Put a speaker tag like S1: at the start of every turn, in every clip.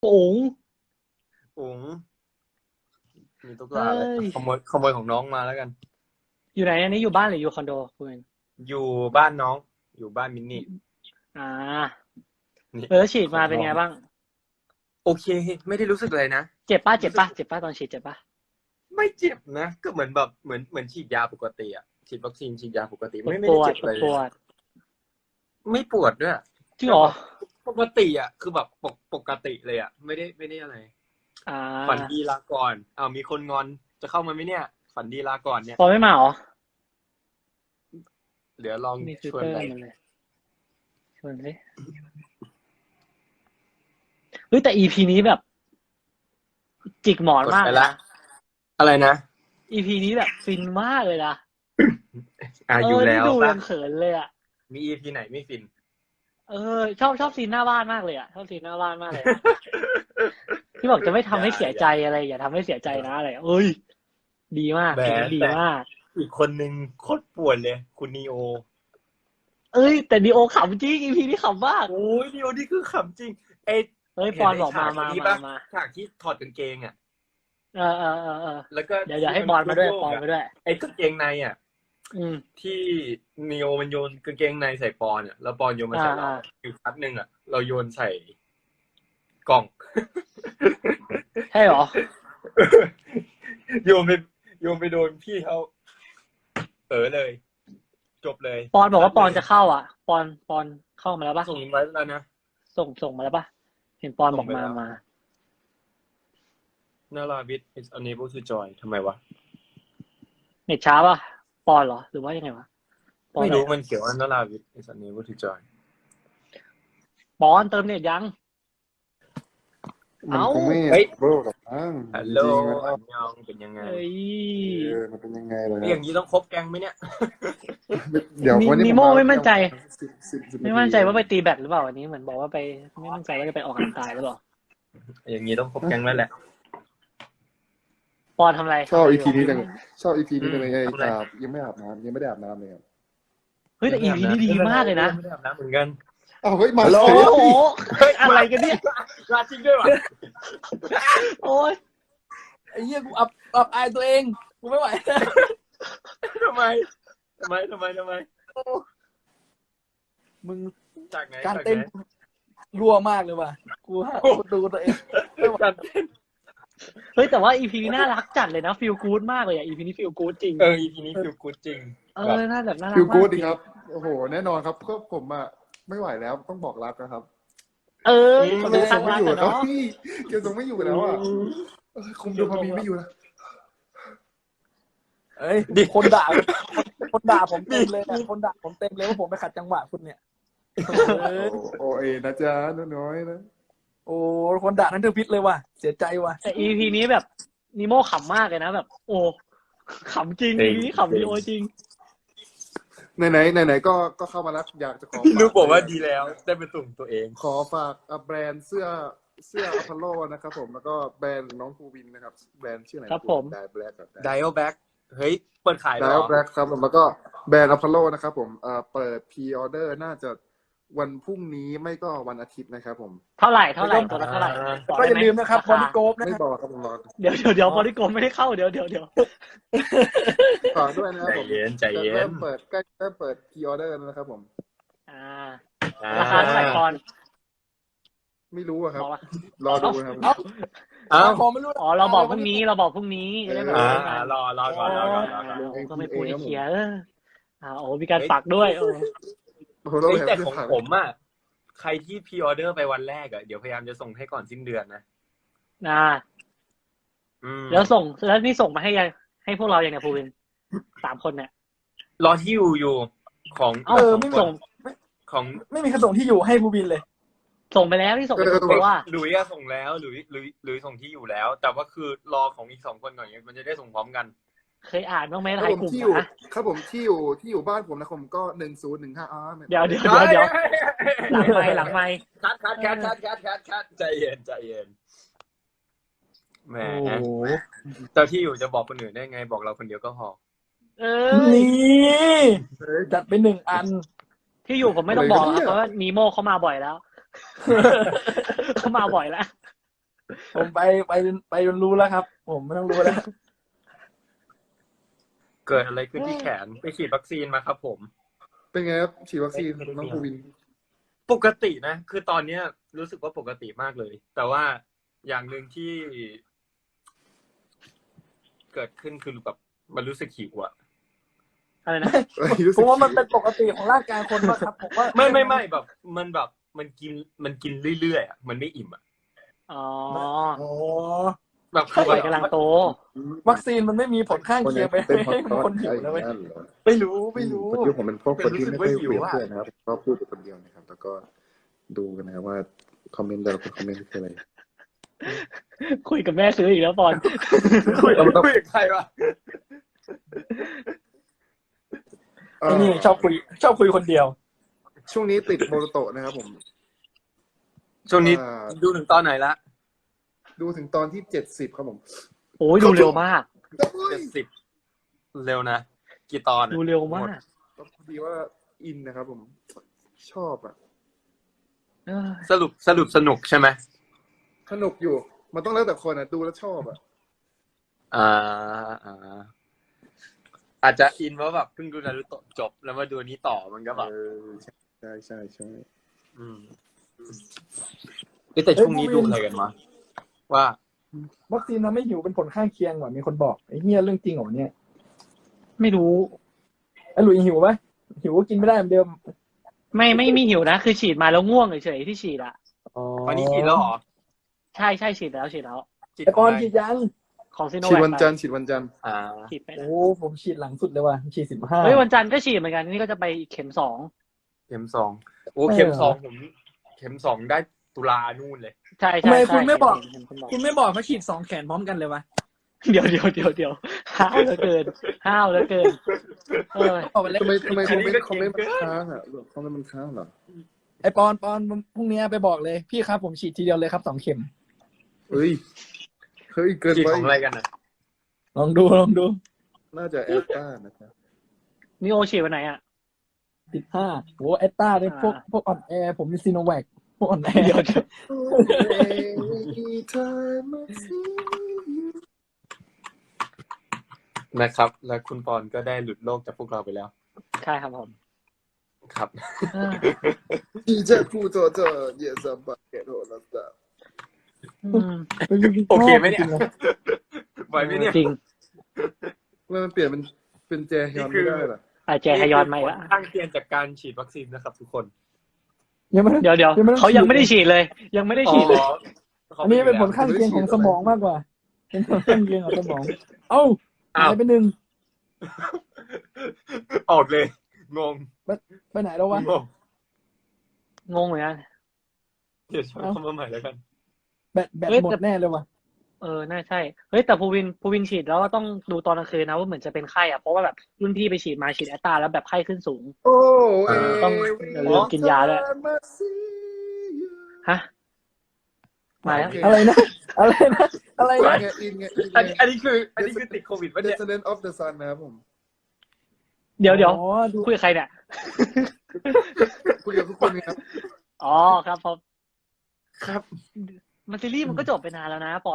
S1: อุ๋ง
S2: อุ๋งมีตุ๊ก
S1: เฮ้
S2: ตาอะไร
S1: ย
S2: ขโมยของน้องมาแล้วกัน
S1: อยู่ไหนอันนี้อยู่บ้านหรืออยู่คอนโดคุณ
S2: อยู่บ้านน้องอยู่บ้านมินนี่
S1: อ่า
S2: นี่
S1: ฉีดมา
S2: ของน้อง
S1: เป็นไงบ้าง
S2: โอเคไม่ได้รู้สึกอะไรนะ
S1: เจ็บป่ะเจ็
S2: รู้สึก
S1: บป่ะเจ็บป่ะตอนฉีดเจ็บป่ะ
S2: ไม่เจ็บนะก็เหมือนแบบเหมือนฉีดยาปกติอะฉีดวัคซีนฉีดยาปกติ
S1: ปวด
S2: ไม่
S1: ปวด
S2: ได้เจ็บอะไร
S1: ปวด
S2: ไม่ปวดด้วย
S1: จริงเหรอ
S2: ปกติอะคือแบบปกติเลยอะไม่ได้อะไร
S1: อ่
S2: ฝัน
S1: า
S2: ดีลาก่อนมีคนงอนจะเข้ามาไหมเนี่ยฝันดีลาก่อนเนี่ย
S1: ปอไม่มาเหรอ
S2: เดี๋ยวลอง
S1: มีฟิล
S2: ชวนไป
S1: เตอร์มันเลยชวนสิเฮ้ยแต่ EP นี้แบบจิกหมอน
S2: กด
S1: มาก
S2: ไปละ
S1: เลยนะ
S2: อะไรนะ
S1: EP นี้แบบฟินมากเลยนะ
S2: อยู่แล้
S1: นี่
S2: ว
S1: ดู
S2: ป่ะ
S1: ยังเขินเลยอ่ะ
S2: มี EP ไหนไม่ฟิน
S1: ชอบซีนหน้าบ้านมากเลยอ่ะชอบซีนหน้าบ้านมากเลยอะที่บอกจะไม่ทำให้เสียใจอะไรอย่าทำให้เสียใจนะอะไรเอ้ยดีมาก
S2: แหม
S1: ดีมาก
S2: อีกคนนึงโคตรปวดเลยคุณนีโอ
S1: แต่ดีโอขำจริง EP นี้ขำมาก
S2: โอ้ยนีโอนี่คือขำจริง
S1: ปอนบอกมา
S2: ฉากที่ถอดกางเกงอ่ะ
S1: เออ
S2: แล้วก็
S1: เดี๋ยวให้ปอนมาด้วยปอนมาด้วย
S2: ไอ้กางเกงในอ่ะที่นีโอมันโยนกางเกงในใส่ปอนอ่ะแล้วปอนโยนมาใส่เราอีกพัดหนึ่งอ่ะเราโยนใส่กล่อง
S1: ใช่เหรอ
S2: โยนไปโดนพี่เขาเลยจบเลย
S1: ปอนบอกว่าปอนจะเข้าอ่ะปอนเข้ามาแล้วปะ
S2: ส่งไว้แล้วนะ
S1: ส่งมาแล้วปะเห็นปอนบอกมา
S2: นาราวิท is unable to join ทำไมวะ
S1: เน็ตช้าปะปอนเหรอหรือว่ายังไงวะ
S2: ไม่รู้มันเขียนว่านาราวิท is unable to join
S1: ปอนเติมเน็ตยัง
S3: มันคงไม่โบรกับมั้ง
S2: ฮัลโหลอันยองเป็นยังไง
S3: มันเป็นยังไงเลย
S2: อย่างนี้ต้องคบแก๊งไหมเนี่ย
S3: เดี๋ยววันนี้
S1: นิโมไม่มั่นใจ
S3: 10
S1: ว่าไปตีแบดหรือเปล่าวันนี้เหมือนบอกว่าไปไม่มั่นใจว่าจะไปออกกำลังกายหรือเปล่า
S2: อย่างนี้ต้องคบแก๊งแล้วแหละ
S1: ปอนทำอะไร
S3: ชอบ EP นี้จังชอบ EP นี้จังเลยยังไม่อาบน้ำยังไม่ได้อาบน้ำเลยครับ
S1: เฮ้ยแต่ EP นี้ดีมากเลยนะ
S2: ไม่ได้อาบน้ำเหมือนกัน
S3: เฮ้ยมา
S1: โอ้โหอะไรกันเนี่ย
S2: ราจริงด้วยวะ
S1: โอ้ย
S4: ไอ้เหี้ยกูอับอายตัวเองกูไม่ไหว
S2: ทำไม
S4: มึง
S2: จากไหน
S4: การเต้นรัวมากเลยว่ะกูดูตัวเอง
S2: การเต้น
S1: เฮ้ยแต่ว่า EP นี้น่ารักจัดเลยนะฟีลกู๊ดมากเลยอ่ะ EP นี้ฟีลกู๊ดจริง
S2: EP นี้ฟีลกู๊ดจริง
S1: น่าแบบน่ารัก
S3: ฟิลกู๊ดดีครับโอ้โหแน่นอนครับก็ผมอ่ะไม่ไหวแล้วต้องบอกรักนะครับ
S1: คนเป็นทางรักเนาะ
S3: เกี่ยวกับไม่อยู่แล้วอ่ะคุมดูพามีไม่อยู่นะ
S4: เอ้ยคนด่าผมเต็มเลยนะคนด่าผมเต็มเลยว่าผมไปขัดจังหวะคุณเนี่ย
S3: โอ้ยนะจ๊ะน้อยนะ
S4: โอ้คนด่านั้นเธอพิษเลยว่ะเสียใจว่ะ
S1: แต่ EP นี้แบบนิโมขำมากเลยนะแบบโอ้ขำจริง EP นี้ขำดีโอจริง
S3: ไหนก็เข้ามาแล้วอยากจะขอ
S2: ลูกบอกว่าดีแล้วได้เป็นตุ่มตัวเอง
S3: ขอฝากแบรนด์เสื้ออพอลโลนะครับผมแล้วก็แบรนด์น้องภูวินนะครับแบรนด์ชื่ออะไร
S1: ครับผม
S3: ไดแบล็กกับ
S2: ไดโอแบ็กเฮ้ยเปิดขาย
S3: ไดโอแบ็กครับแล้วก็แบรนด์อพอลโลนะครับผมเปิดพรีออเดอร์น่าจะวันพรุ่งนี้ไม่ก็วันอาทิตย์นะครับผม
S1: เท่าไหร่ตัวละเท่าไหร่
S4: ก็อย่าลืมนะครับบอดี้โกฟนะ
S3: ไม่บอกครับผมรอ
S1: เดี๋ยวบอดี้โกฟไม่ได้เข้าเดี๋ยว
S3: ฝากด้วยนะครับผม
S2: ใจเย็น
S3: เริ่มเปิดใกล้เริ่มเปิดพรีออเดอร์นะครับผม
S1: ราคาเท่าไหร่ก่อน
S3: ไม่รู้ครับรอดูนะครับ
S4: ผมไม่รู้
S1: เราบอกพรุ่งนี้จะได้แบบ
S2: รอก่อน
S1: ก็ไม่พูดให้เคลียร์มีการฝากด้วย
S2: แต่ของผมอ่ะใครที่พรีออเดอร์ไปวันแรกอ่ะเดี๋ยวพยายามจะส่งให้ก่อนสิ้นเดือนนะ
S1: แล้วนี่ส่งมาให้พวกเราอย่างไงภูวิน3 คนเนี่ย
S2: รอที่อยู่ของ
S4: ไม่ส่ง
S2: ของ
S4: ไม่มีใครส่งที่อยู่ให้ภูวินเลย
S1: ส่งไปแล้วที่ส่งไปว่า
S2: หลุยส่งแล้วหลุยส่งที่อยู่แล้วแต่ว่าคือรอของอีก2 คนก่อนมันจะได้ส่งพร้อมกัน
S1: เคยอ่านบ้างไหมรายกลุ่ม
S3: ครับผมที่อยู่บ้านผมนะผมก็1015
S1: เดี๋ยวหลังไมค์
S2: คัดใจเย็นแหมเจ้าที่อยู่จะบอกคนอื่นได้ไงบอกเราคนเดียวก็พอ
S4: นี่จัดไป1 อัน
S1: ที่อยู่ผมไม่ต้องบอกเพราะว่านีโมเขามาบ่อยแล้วเขามาบ่อยแล้ว
S4: ผมไปจนรู้แล้วครับ ผมไม่ต้องรู้แล้ว
S2: เกิดอะไรขึ้นที่แขนไปฉีดวัคซีนมาครับผม
S3: เป็นไงครับฉีดวัคซีนน้องภูวิน
S2: ปกตินะคือตอนเนี้ยรู้สึกว่าปกติมากเลย แต่ว่าอย่างหนึ่งที่เกิดขึ้นคือแบบมันรู้สึกหิวอะ
S1: อะไรนะ
S4: ผมว่ามันเป็นปกติของร่างกายคนมากครับผมว่า
S2: ไม่แบบมันกินเรื่อยๆอะมันไม่อิ่มอะ
S1: อ๋อ
S4: โอ้
S2: แบบ
S1: วัยกำลังโต
S4: วัคซีนมันไม่มีผลข้างเคียงไปให้คนหิวนะเว้ย
S2: ไม่รู้
S3: พอดีผมเป็นพวกคนที่ไม่ค่อยคุยกับเพื่อนนะครับก็พูดอยู่คนเดียวนะครับ แล้วก็ดูกันนะครับว่าคอมเมนต์แต่ละคนคอมเมนต์คืออะไร
S1: คุยกับแม่ซื้ออีกแล้วปอน
S2: คุยกับใครวะ
S4: ไอ้นี่ชอบคุยคนเดียว
S3: ช่วงนี้ติดโมโรโตะนะครับผม
S2: ช่วงนี้ดูถึงตอนไหนละ
S3: ดูถึงตอนที่70ครับผม
S1: โอ้ยดูเร็วมาก
S2: 70เร็วนะกี่ตอน
S1: ดูเร็วมาก
S3: ก็พอดีว่าอินนะครับผมชอบอ่ะ
S1: เออ
S2: สรุปสนุกใช่ไหม
S3: สนุกอยู่ มันต้องแล้วแต่คนอ่ะดูแล้วชอบอ่ะ
S2: อาจจะอินว่าแบบเพิ่งดูนารูโตะจบแล้วมาดูอันนี้ต่อมันก็แบบ
S3: ใช่
S2: แต่ช่วงนี้ดูอะไรกันมาว่า
S4: วัคซีนทำให้หิวเป็นผลข้างเคียงว่ะมีคนบอกไอ้เหี้ยเรื่องจริงเหรอเนี่ย
S1: ไม่รู้
S4: ไอ้หลุยหิวไหมหิวก็กินไม่ได้เหมือนเดิม
S1: ไม่มีหิวนะ คือฉีดมาแล้วง่วงเฉยๆที่ฉีดอะ
S2: อันนี้กินแล้วเหรอ
S1: ใช่ฉีดแล้ว
S4: ไอ้ปอนฉีดยัง
S1: ของซีโน
S3: ฉีด
S1: แวค
S3: วันจันทร์ฉีดวันจันทร์
S1: ฉีดไป
S4: โอ้ผมฉีดหลังสุดเลยว่ะฉีด15
S1: เฮ้ยวันจันทร์ก็ฉีดเหมือนกันนี่ก็จะไปเข็ม2
S2: เข็ม2โอ้เข็ม2ผมเข็ม2ได้ตุลานู่นเลย
S1: ใช่
S4: ทำไมคุณไม่บอก
S1: เห็นคน
S4: คุณไม่บอกเขาฉีด2แขนพร้อมกันเลยวะ
S1: เดี๋ยวห้าวเหลือเกินเออ
S4: บอกไปเลย
S3: ทำไมคอมเมนต์มันค้างอ่ะคอมเมนต์มันค้างเหรอ
S4: ไอ้ปอนพรุ่งนี้ไปบอกเลยพี่ครับผมฉีดทีเดียวเลยครับ2 เข็ม
S3: เฮ้ยเกิน
S2: ฉีด
S3: ไป
S2: ของอะไรกันนะ
S4: ลองดู
S3: น่าจะแอสตรานะครับ
S1: นี่โอฉีดวันไหนอะ
S4: 15โหแอตตาด้วยพวกอ่อนแอผมมีซีโนแวคพวกอ่อนแอ
S1: เดี๋ยว
S2: นะครับ แล้วคุณปอนก็ได้หลุดโลกจากพวกเราไปแล้ว
S1: ใช่ครับผม
S2: ครับ
S1: เออ
S3: 你在不做这也是把给我了的。
S1: อืม
S2: โอเคไหมเนี่ยไหวไหมเนี่ย
S1: จริง
S3: มันเปลี่ยนเป็นแจฮยอนไม่ได้เหรอ
S1: อาแจฮยอนมาอีก
S2: ผ
S1: แล้ว
S2: ลข้างเคียงจากการฉีดวัคซีนนะครับทุกคน
S4: ยังไม่
S1: เดี๋ยวเขายังไม่ได้ฉีดเลย ยังไม่ได้ฉีดเลย
S4: อันนี้เป็นผลข้างเคียงของสมองมากกว่า เป็นผลข้างเคียงของสมอง เอ้าหายไป1
S2: ออกเลย งง
S4: ไปไหนแล้ววะ
S1: งงเหมือนกัน
S2: เดี๋ยวช่วยเข้ามาใหม่แล้วกัน
S4: แบตหมดแน่เลยวะ
S1: เออน่าใช่เฮ้ยแต่ภูวินฉีดแล้วก็ต้องดูตอนกลางคืนนะว่าเหมือนจะเป็นไข้อ่ะเพราะว่าแบบรุ่นพี่ไปฉีดแอตตาแล้วแบบไข้ขึ้นสูง
S3: โอ้
S1: ต้องอย่าลืมกินยาด้วย ฮะมาแล้ว
S4: อะไรนะ
S3: อินไง
S2: อันนี้คือติดโควิดปะเนี่ย
S3: Descendant of the Sun นะครับผม
S1: เดี๋ยว
S4: อ๋อดู
S1: คุยกับใครเนี่ย
S3: คุยกับทุกคนครับ
S1: อ๋อครับผม
S2: ครับ
S1: มันซีรีส์มันก็จบไปนานแล้วนะปอน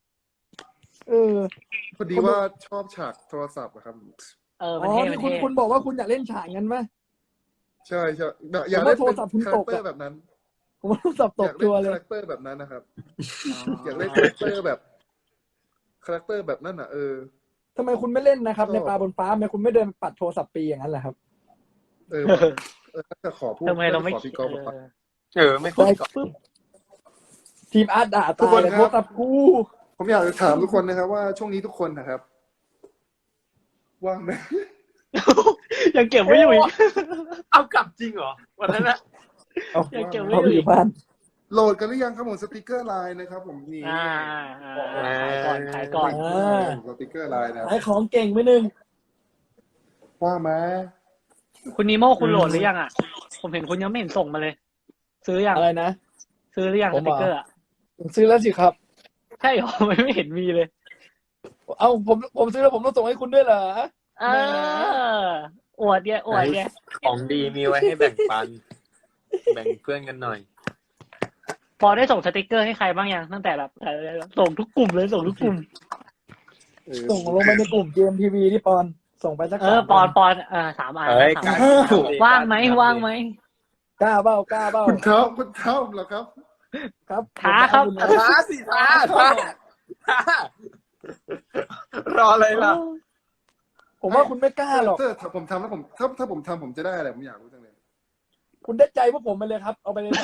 S3: พอดีว่าชอบฉากโทรศัพท์อะครับ
S1: เออ
S4: อ๋
S1: มัน
S4: อ
S1: เท่
S4: ที่คุณบอกว่าคุณอยากเล่นฉากงั้นไหม
S3: ใช่อยากได้
S4: โทรศัพท์คุณตก
S3: คาแรคเตอร์แบบนั้น
S4: ผมว่าสับต
S3: อยาก ก
S4: ตัว
S3: เล่น
S4: เล
S3: คาย แรคเตอร์แบบนั้นนะครับ อยากเล่นคาแรคเตอร์แบบนั้นอ่ะ
S4: ทำไมคุณไม่เล่นนะครับ ในปลาบนฟ้าทำไมคุณไม่เดินปัดโทรศัพท์ปีอย่างนั้นแหละครับ
S3: จะขอพูด
S1: ทำไมเราไม่
S3: ขอพี่ก๊อฟบอกว่า
S2: ไม่ค่อยก่อน
S4: ปุ๊บทีมอาร์ตด่า
S3: ทุก
S4: ตา
S3: ค
S4: ย
S3: น
S4: เลย
S3: ครับ
S4: โทรศัพท์กู
S3: ผมอยากจะถามทุกคนนะครับว่าช่วงนี้ทุกคนนะครับ ว่างไหม
S1: ยังเก็บไว้อยู่อีก
S2: เอากลับจริงเหรอวันนั้นนะ
S4: เอา
S1: ยังเก็บไว้
S4: เอาอยู่บ้าน
S3: โหลดกันหรือยังครับผมสติกเกอร์ไลน์นะครับผมนี่
S1: ขายก่อน
S3: สติกเกอร์ไลน์นะ
S4: ขายของเก่งไปหนึ่ง
S3: ว่างไหม
S1: คุณนีโม่คุณโหลดหรือยังอ่ะ ผมเห็นคุณยังไม่เห็นส่งมาเลย ซื้อยัง
S4: อะไรนะ
S1: ซื้อหรือยัง
S4: ผ
S1: ส
S4: ม
S1: ติกเกอร์อ่ะ
S4: ผมซื้อแล้วสิครับ
S1: ใช่หรอ ไม่เห็นมีเลย
S4: เอาผมซื้อแล้วผมต้องส่งให้คุณด้วยเหรอ
S1: เอออวดเนี่ย
S2: ของดีมีไว้ให้แบ่งปัน แบ่งเพื่อนกันหน่อย
S1: ปอได้ส่งสติกเกอร์ให้ใครบ้างยังตั้งแต่แบบส่งทุกกลุ่มเลยส่งทุกกลุ่ม
S4: ส่งลงไปในกลุ่ม GMTV ที่ปอนส่งไปสัก
S1: ปอน3 อัน
S2: เฮ้ย
S1: สามอันว่างไหม
S4: กล้าเบ้า
S3: คุณเท้าเหรอครับ
S4: ครับ
S1: ท้าครับ
S2: ท้าสิท้ารออะไรล่ะ
S4: ผมว่าคุณไม่กล้าหรอก
S3: ถ้าผมทำแล้วถ้าผมทำผมจะได้อะไรผมอยากรู้จังเลย
S4: คุณได้ใจพวกผมไปเลยครับ เอาไปเลย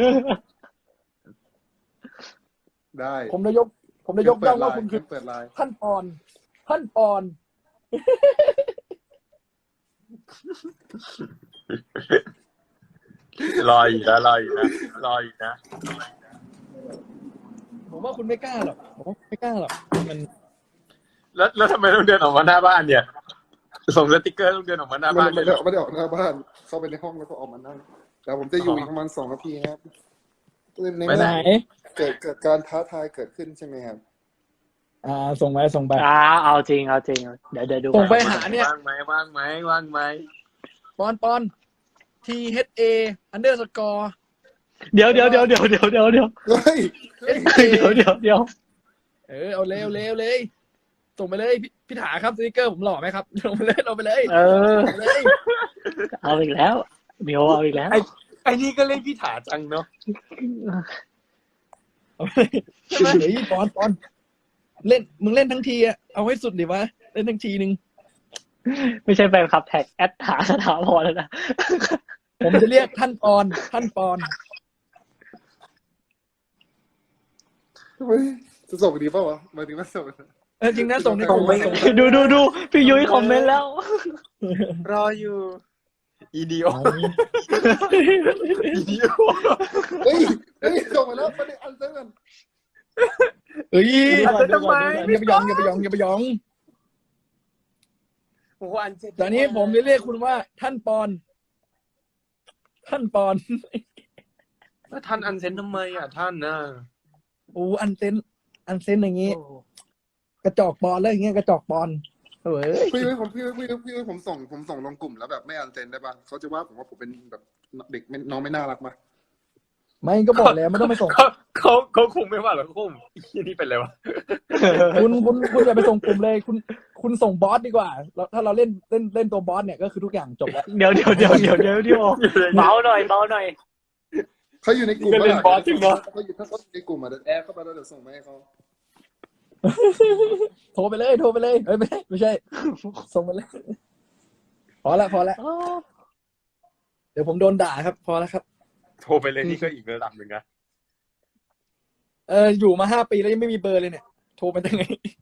S3: ได้
S4: ผมจะยกย่องว่าคุณคือ
S3: เปิดไลน์
S4: ท่านปอน
S2: รออยู่นะ
S4: ผมว่าคุณไม่กล้าหรอกมัน
S2: แล้วทำไมต้องเดินออกมาหน้าบ้านเนี่ย ส่งสติกเกอร์ต้องเดินออกมาหน้าบ้าน
S3: ไม่ได้ออกหน้าบ้านเข้าไปในห้องแล้วก็ออกมานั่งแต่ผมจะอยู่อีกประมาณ2 นาทีครับใน
S4: ไปไหน
S3: เกิดการท้าทายเกิดขึ้นใช่ไหมครับ
S4: ส่งไป
S1: เอาจริงเดี๋ยวดู
S4: ส่งไปหาเนี่ย
S2: ว่างไหม
S4: ปอน THA _
S1: เดี๋ยว
S3: เฮ้ย
S1: เดี๋ยว
S4: เอาเลยส่งไปเลยพี่ถาครับสติกเกอร์ผมหล่อไหมครับลงไปเลย
S1: เอาอีกแล้วเดี๋ยวเอาอีกแล้ว
S2: ไอ้นี่ก็เล่นพี่ถาจังเนาะ
S4: ใช่ไหมเฮ้ยปอนเล่นมึงเล่นทั้งทีอะเอาให้สุดดิวะเล่นทั้งทีนึง
S1: ไม่ใช่แฟนคลับแท็กแอดถาสถาพรแล้วนะ
S4: ผมจะเรียกท่านปอน
S3: จะส่งดีป่าวะหมายถึงว่าส่ง
S4: จริงนะส่งในกลุ่ม
S1: ดูพี่ยุ้ยคอมเมนต์แล้ว
S2: รออยู่อีดีโอ
S3: เฮ้ยส่งมาแล้วไม่ได้อันเซน
S4: เฮ้ย
S2: ทำไม
S4: อย่าไปยอง ตอนนี้ผมจะเรียกคุณว่าท่านปอน
S2: แล้วท่านอันเซนทำไมอ่ะท่านนะ
S4: อันเซนอย่างงี้ กระจอกปอนแล้วอย่างเงี้ยกระจอกปอนเฮ้ย
S3: พี่ผมส่งลงกลุ่มแล้วแบบไม่อันเซนได้ป่ะเขาจะว่าผมว่าผมเป็นแบบเด็กน้องไม่น่ารักป่ะ
S4: ไม่ก็บอกแล้วไม่ต้องไปส่ง
S2: เขาคงไม่ว่าหรอกเขาคงที่นี่เป็นไรวะ
S4: คุณอย่าไปส่งกลุ่มเลยคุณส่งบอสดีกว่าแล้วถ้าเราเล่นตัวบอสเนี่ยก็คือทุกอย่างจบแล้ว
S1: เดี๋ยวเบาหน่อย
S3: เขาอยู่ในกลุ่ม
S2: ก็เล่นบอสจริงเนาะ
S3: เขาอยู่ในกลุ่มอ่ะแอดเข้าไปแล้วเดี๋ยวส่งมาให้เขา
S4: โทรไปเลยเฮ้ยไม่ใช่ส่งมาเลยพอละเดี๋ยวผมโดนด่าครับพอแล้วครับ
S2: โทรไปเลยนี่ก็อีกระดับหนึ่งนะ
S4: อยู่มา5 ปีแล้วยังไม่มีเบอร์เลยเนี่ยโทรไปได้ไง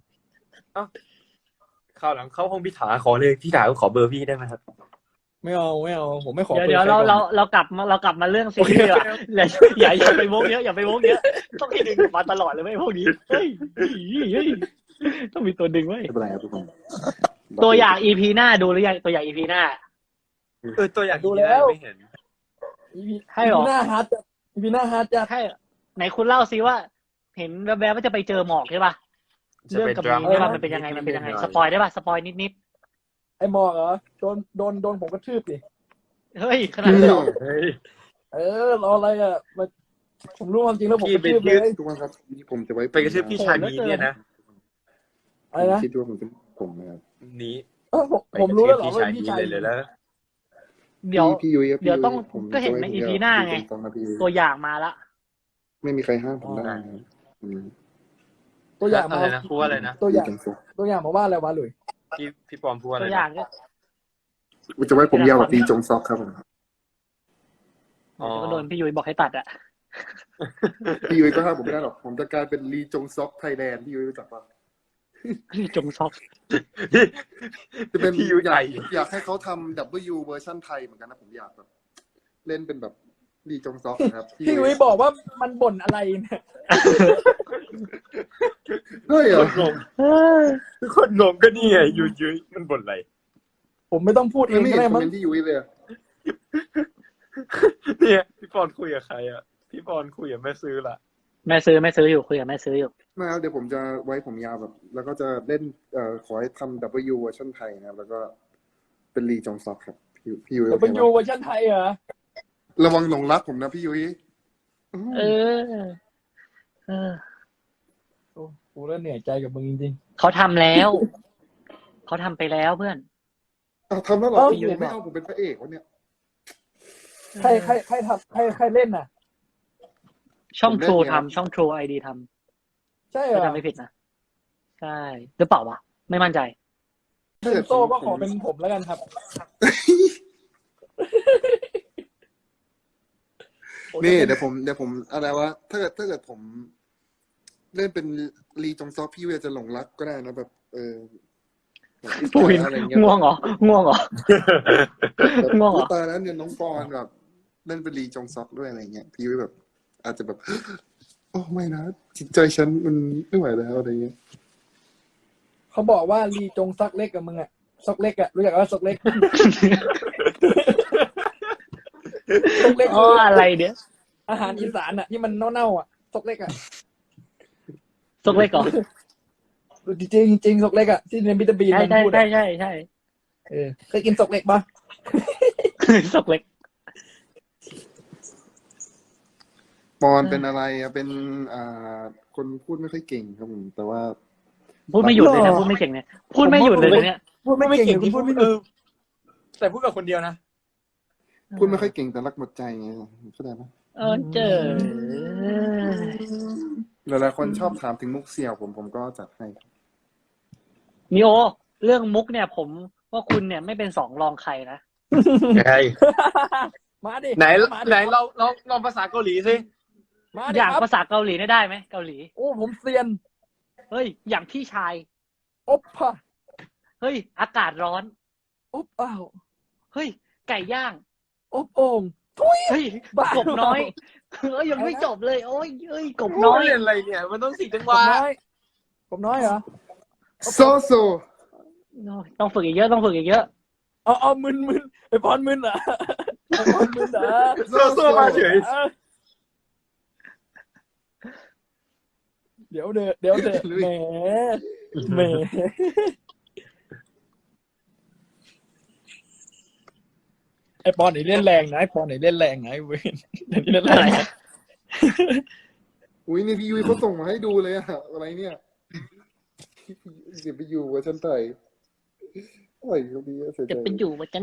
S2: คราวหลังเข้าห้องพี่ถาขอเลยพี่ถาก็ขอเบอร์พี่ได้ไหมครับ
S4: ไม่เอาผมไม่ขอ
S1: เดี๋ยวเรากลับมาเรื่องซีรีส์อ่ะอย่าไปวกเยอะต้องให้ดึงมาตลอดเลยไม่พวกนี้เฮ้ยต้องมีตัวดึงไว้
S3: ไม่เป็นไรครับทุกคน
S1: ตัวอย่าง EP หน้าดูหรือยังตัวอย่าง EP หน้า
S2: ตัวอย่างดูแล้วไม่เห็น
S1: ให้หรอ
S4: หน้าฮาร์ดจะ
S1: ให้ไหนคุณเล่าซิว่า เห็นแวบๆว่าจะไปเจอหมอกใช่ป่ะเรื่องกับมีใช่ป่ะมันเป็นยังไงสปอยได้ป่ะสปอยนิด
S4: ไอ้หมอกเหรอโดนผมกระทืบดิ
S1: เฮ้ยขนาดนั้นเหรอ
S4: รออะไรอ่ะผมรู้ความจริงแล้วผมกระทืบเลย
S3: ทุกคนครับผมจะไว้
S2: ไปกระทืบพี่ชายนี้เนี่ยนะ
S4: อะไรนะ
S3: คิดว่าผมเป็นผมนะครับ
S2: นี้
S4: ผมรู้แล้วเหรอว่า
S2: พี่
S4: พี่
S2: ชา
S4: ชาย ย
S2: เลยแล้ว
S1: เดี๋ยว
S3: พี่ยุ้ย
S1: เดี๋ยวต้องก็เห็นใน EP หน้าไง ตัวอย่างมาละ
S3: ไม่มีใครห้ามผมได้
S4: ตัวอย่างมา
S2: อะไรนะพูดอะไรนะ
S4: ตัวอย่างมาว่าอะไรวะหลุย
S2: พี่ปอมพูดอะไร
S1: ตัวอย่างก็
S3: จะไว้ผมยาวกว่าตีจงซอกครับผม
S1: ก็โดนพี่ยุ้ยบอกให้ตัดอ่ะ
S3: พี่ยุ้ยก็ห้ามผมไม่ได้หรอกผมจะกลายเป็นลีจงซอกไทยแลนด์พี่ยุ้ยรู้จักปะ
S1: จงซอก
S3: จะเป็น
S2: พี่ยุ้ยใหญ่
S3: อยากให้เขาทำ W เวอร์ชันไทยเหมือนกันนะผมอยากแบบเล่นเป็นแบบลีจงซอกนะครับ
S4: พี่วิบอกว่ามันบ่นอะไรเนี่ย
S3: เฮ้ยเหรอ
S2: ทุกคนงงก็นี่ไงยุ้ยมันบ่นอะไร
S4: ผมไม่ต้องพูดเอง
S3: ไม่
S4: ก็
S3: เห็น
S4: ได้
S3: คอม
S4: มั้ง
S3: เมนต์ที่ยุ้ยเลย
S2: เนี่ยพี่ปอนคุยกับใครอ่ะพี่ปอนคุยกับแม่ซื้อละ
S1: แม่ซื้ออยู่คุยกับแม่ซื้ออยู่
S3: ไม่ครับเดี๋ยวผมจะไว้ผมยาวแบบ แล้วก็จะเล่นขอให้ทำ W เวอร์ชันไทยนะครับแล้วก็เป็นลีจงซอกครับพี่ยุ้ย
S4: จะเป็นยูเวอร์ชันไทยเหรอ
S3: ระวังหลงรักผมนะพี่ยุ้ย
S1: เออ เออ
S4: โอ้กูแล้วเหนื่อยใจกับมึงจริง
S1: เขาทำแล้ว เขาทำไปแล้วเพื่อน
S3: ทำแล้วเหรอ
S4: เอ้า
S3: โอ้โหไม่เอาผมเป็นพระเอกวะเนี่ย
S4: ๆใครทำใครเล่นน่ะ
S1: ช่อง
S3: ผมเล่น
S1: True
S3: ไง
S1: ทำช่อง True ID ท
S4: ใช่
S1: ำ
S4: เหร
S1: ถ้า
S4: อ
S1: จำไม่ผิดนะ ใช่หรือเปล่าวะ ไม่มั่นใจ
S3: ถ้าเกิด
S4: โซ่ก็ขอเป็นผมแล้วกันครับ
S3: นี่เดี๋ยวผมอะไรวะถ้าเกิดผมเล่นเป็นลีจงซอกพี่เวจะหลงรักก็ได้นะแบบแบบ
S1: ปูวิน
S3: อะไรเงี้ย
S1: ง่วงเหรอ ง่วงเหรอ
S3: แบบ
S1: ง่วงเหรอ
S3: ตอนนั้นเนี่ยน้องปอนแบบเล่นเป็นลีจงซอกด้วยอะไรเงี้ยพี่เวแบบ อาจจะแบบ โอ้ไม่นะจิตใจฉันมันไม่ไหวแล้วอะไรเงี้ย
S4: เขาบอกว่าลีจงซักเล็กกับมึงอะซอกเล็กอะรู้จักว่าซอกเล็ก ซอกเล็ก
S1: อ๋ออะไรเนี่ย
S4: อาหารอีสานอะที่มันเน่าๆอะซอกเล็กอะ
S1: ซกเล็กเหรอ
S4: จริงซอกเล็กอะที่ในบิตาบีน
S1: ใช่
S4: มัน
S1: ใช่
S4: พูด
S1: ใช่
S4: อะ
S1: ใช่ใช่
S4: เคยกินซอกเล็กปะ
S1: ซกเล็ก
S3: ปอนเป็นอะไรอะเป็นคนพูดไม่ค่อยเก่งครับผมแต่ว่า
S1: พูดไม่หยุดเลยนะ พูดไม่เก่งเนี่ย พูดไม่หยุดเลยนะเนี่ย
S4: พูดไม่เก่งที่พูดไม่หยุด
S2: แต่พูดกับคนเดียวนะ
S3: พูดไม่ค่อยเก่งแต่รักหมดใจไงเข้าใจไหม
S1: เจอ
S3: หลายๆคนชอบถามถึงมุกเสี่ยวผมก็จัดให้
S1: นิโอ เรื่องมุกเนี่ย ผมว่าคุณเนี่ยไม่เป็นสองรองใครนะ
S2: ไง
S4: มาดิ
S2: ไหน
S4: มาดิ
S2: ไหนลองภาษาเกาหลีสิ
S4: มา
S1: อ
S4: ดิ
S1: ย่าง
S4: ครับ
S1: ภาษาเกาหลีได้ไหมเกาหลี
S4: โอ้ผมเซียน
S1: เฮ้ย อย่างพี่ชาย
S4: อบป่ะ
S1: เฮ้ย อากาศร้อน
S4: อบอ้าว
S1: เฮ้ย ไก่ย่าง
S4: อบโอ่ง
S1: เฮ้ย
S4: บ้าก
S1: บน้อย เฮ้ย ยังไม่จบเลย โอ้ยเอ้ย กบ
S2: น้
S1: น้
S2: อ
S1: อย ย
S2: เรียนอะไรเนี่ย มันต้อง4จังห
S4: ก
S2: วะ
S4: บน้อยกบน้อยเหรอ
S3: โซโซ
S1: ต้องฝึกอีกเยอะ ต้องฝึกอีกเยอะ
S4: เอามึนไอ้พรมึนเหรอไอ้พรมึนเหรอ
S2: โซ่มาเฉย
S4: เออเดี๋ยวเถอะแหมไอ้ปอนไหนเล่นแรงนะไอ้ปอนไหนเล่นแรงนะไอ้เวนเดี๋ยวนี้เล่นแรงนะ
S3: อุ้ยนี่พี่ยุ้ยเขาส่งมาให้ดูเลยอะอะไรเนี่ยเดี๋ยวไปอยู่เวอร์ชันไทยอะไรเขาดีอะเสียใจ
S1: จะเป็นอยู่มาจัน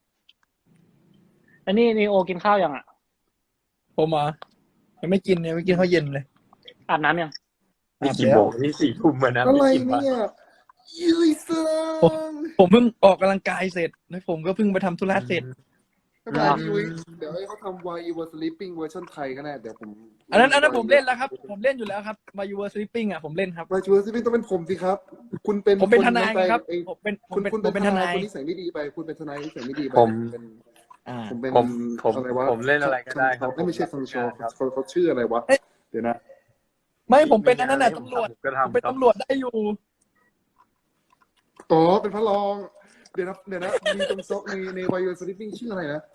S1: อันนี้นิโอกินข้าวยังอ่ะ
S4: ผมอ่ะยังไม่กินข้าวเย็นเลย
S1: อาบน้ำยัง
S2: นี่กี่โมงนี่4 ทุ่มมานะ
S3: อะไร
S2: ไม่กินมา
S3: เนี่ยยุ้ยซัง
S4: ผมเพิ่งออกกำลังกายเสร็จแล้วผมก็เพิ่งไปทำธุระเสร็จ
S3: ไม่เป็นไรพี่ยุ้ยเดี๋ยวให้เขาทำ Why You Were Sleeping เวอร์ชันไทยก็ได้เดี๋ยวผม
S4: อันนั้นผมเล่นแล้วครับ ผมเล่นอยู่แล้วครับ มา You Were Sleeping อ่ะผมเล่นครับ
S3: Why You Were Sleeping ต้องเป็นผมสิครับ คุณเป็น
S4: ผมเป็นทนายไงครับ
S3: เอ้ย
S4: ผมเป็น
S3: คุณ
S4: ผมเป็นทนาย
S3: คุณนิสัยไม่ดีไป คุณเป็นทนายนิสัยไม่ดีไป
S2: ผม
S3: เป็น
S4: อ่า
S3: ผมเป็น
S2: ผม
S3: อะไรวะ
S2: ผมเล่นอะไรก็ได้ครับ
S3: ไม่ใช่ฟังโชว์
S2: ครับ
S3: เขาชื่ออะไรวะ
S4: เอ๊ะ
S3: เดี๋ยวนะ
S4: ไม่ผมเป็นอันนั้นน่ะตำรวจ
S2: ก็
S4: ผมเป็น
S2: ทำ
S4: ตำรวจได้อยู่
S3: อ๋อเป็นพระรอง เดี๋ยวนะมีตรงซอกใน Why You Were Sleeping ชื่ออะไรนะ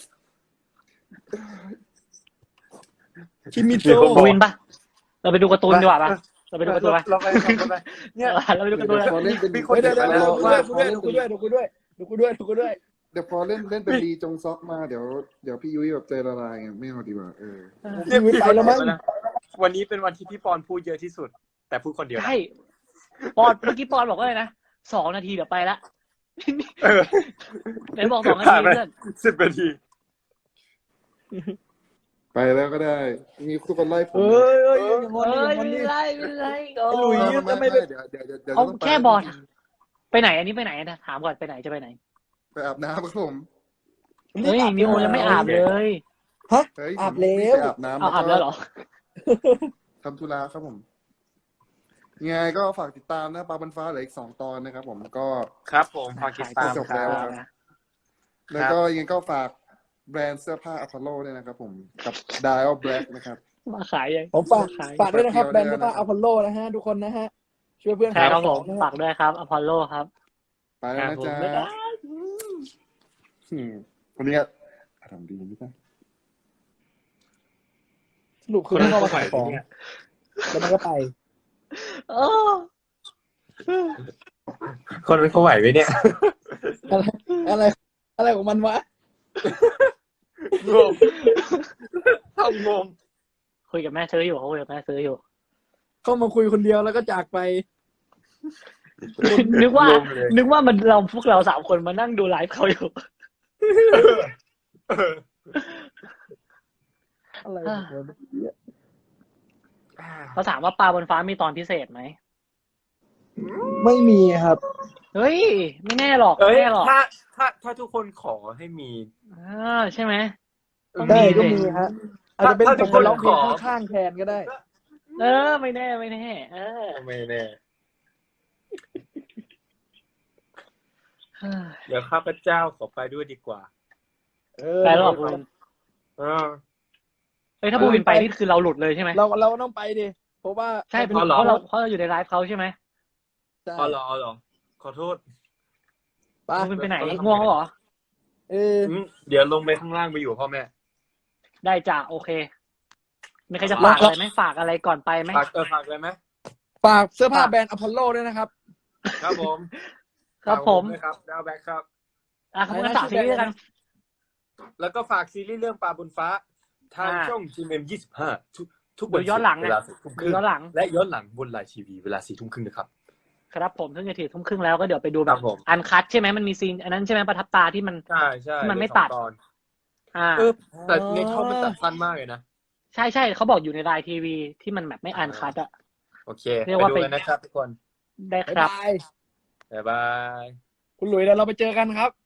S4: คิมิโซ
S1: ปูวินปะเราไปดูการ์ตูนดีกว่าปะเราไปดูการ์ตูนปะ
S2: เราไปทำอะไรเนี่ย
S1: เราไปดูการ์ตูน
S3: เดี๋ยวพอเล่นเป็น
S2: มีคน
S4: เดี๋ยว
S2: เดี๋ยว
S4: ดูกูด้วย
S3: เดี๋ยวพอเล่นเป็นลีจงซอกมาเดี๋ยวพี่ยุ้ยแบบใจละลายไงไม่เอาดีกว่า
S2: เนี่ย
S4: ชีวิตไปแล้วมั้ง
S2: วันนี้เป็นวันที่พี่ปอนพูดเยอะที่สุด แต่พูดคนเดียวนะ
S1: ใช่ปอนเมื่อกี้ปอนบอกว่าอะไรนะ2 นาทีเดี๋ยวไปละ
S2: เออ
S1: ไหนบอก2 นาทีเพื่อน
S2: 10 นาที
S3: ไปแล้วก็ได้ มีทุกคนไล่ผม
S4: เอ้ยอย่าง
S1: เอ้ย
S4: วัน
S1: ไม่
S4: นี้
S1: ไรไม่ไร
S4: ไอ้หลุย
S3: ไม่เดี๋ยว
S1: เอา
S3: ต้องไป
S1: แค่บอลไปไหนอันนี้ไปไหนนะถามก่อนไปไหนจะไปไหน
S3: ไปอาบน้ำครับผม
S1: เฮ้ยนิโอยังไม่อาบเลย
S3: เฮ้ย
S4: อาบแล้ว
S3: ไปอาบน้ำ
S1: เอาอาบแล้วเหรอ
S3: ทำธุระครับผมยังไงก็ฝากติดตามนะปลาบันฟ้าเหลืออีก2 ตอนนะครับผมก็
S2: ครับผมพอติดตาม
S3: จบแล้วครับ แล้วก็ยังไงก็ฝากแบรนด์เสื้อผ้าอพอลโลด้วยนะครับผมกับ Dial Black นะครับ
S1: มาขายยัง
S4: ผมฝาก
S1: ขาย
S4: ด้วยนะครับ
S3: ฝาก
S4: แบรนด์
S3: เดี
S4: เสื้
S3: ยว
S4: อผ้าอพอลโลนะฮะทุกคนนะฮะช่วยเพื่อน
S1: ใช่ครับ
S4: ขาย
S1: ผ
S4: ของ
S1: ม
S4: นะฮะ
S1: ฝากด้วยครับอพอลโลครับ
S3: ไปแล้วนะจ๊ะวันนี้ทำดีไม่ได้
S4: สรุปคือไม่เอามาขายของแล้วมันก็ไป
S1: โอ้
S2: คนนั้นเขาไหวไหมเนี่ย
S4: อะไรของมันวะ
S2: งงทำงง
S1: คุยกับแม่ซื้ออยู่เขาคุยกับแม่ซื้ออยู่
S4: เข้ามาคุยคนเดียวแล้วก็จากไป
S1: นึกว่า
S2: ลงเลย
S1: นึกว่ามันพวกเราสามคนมานั่งดูไลฟ์เขาอยู่
S4: อะไรของมันเนี่ย
S1: เขาถามว่าปลาบนฟ้ามีตอนพิเศษไหม
S4: ไม่มีครับ
S1: เฮ้ย ไม่แน่หรอก
S2: เอ้
S1: ไม่
S2: ย
S1: แน่หรอก
S2: ถ้าทุกคนขอให้มี
S1: ใช่ไหม ต้อง
S4: ได้
S1: มี
S4: ก็
S1: สิ
S4: มีฮะอาจจะเป็น
S2: ถ้า
S4: ผ
S2: ทุ
S4: ม
S2: ก
S4: ไป
S2: คน
S4: ร้องเพลง
S2: ขอ
S4: ข้างๆแทนก็ได้
S1: ไม่แน่ไม่แน่
S2: ไม่แน่ เดี๋ยวข้าพเจ้าขอไปด้วยดีกว่า
S1: ไปแล้วเหรอคุณ
S2: เออ
S1: เฮ้ยถ้าบูวินไปนี่คือเราหลุดเลยใช่ไหม
S4: เราต้องไปดิเพราะว่า
S1: ใช่เพ
S2: อ๋อเหรอ
S1: ราะเราอยู่ในไลฟ์เขาใช่ไหม
S4: ใช่
S2: เอาเหรอ ขอโทษ
S4: ไป
S1: บูวินไปไหนง่วงแล้วเหรอ
S2: เดี๋ยวลงไปข้างล่างไปอยู่พ่อแม่
S1: ได้จ้ะโอเคมีใครจะฝากอะไรไหมฝากอะไรก่อนไปไหม
S2: ฝากเลยไหม
S4: ฝากเสื้อผ้าแบรนด์อพอลโลด้วยนะครับ
S2: ครับผม
S1: ครับผม
S2: ฝากด้วยครับดาวแบ็คครับ
S1: ขอบคุณฝากซีรีส์กัน
S2: แล้วก็ฝากซีรีส์เรื่องปลาบนฟ้า ทางช่อง GMM25 ทุกวัน
S1: ดูย้อนหลัง
S2: เวลา4 ทุ่มค
S1: ดู
S2: รึ่ง
S1: ย้อนหลัง
S2: และย้อนหลังบนไลน์ทีวีเวลา4 ทุ่มครึ่งนะครับ
S1: ครับผมซึ่งจะถึงทุ่มครึ่งแล้วก็เดี๋ยวไปดูแบ
S2: ครับ บผม
S1: อันคัทใช่ไหมมันมีซีนอันนั้นใช่ไหมประทับตาที่มัน
S2: ใช่ใช่
S1: มันไม่
S2: สอง
S1: ตัด
S2: ตอน
S1: อ่า
S2: แต่ในช่องมันตัดสั้นมากเลยนะ
S1: ใช่เขาบอกอยู่ในไลน์ทีวีที่มันแบบไม่อันคัทอะ
S2: โอเค
S1: เรียก
S2: ไป
S1: ว่า
S2: ดู
S1: เป็น
S2: กันนะครับทุกคน
S1: ได้
S4: บ๊าย
S1: ครับ
S4: บาย
S2: บ๊ายบาย
S4: คุณหลุยเดี๋ยวเราไปเจอกันครับ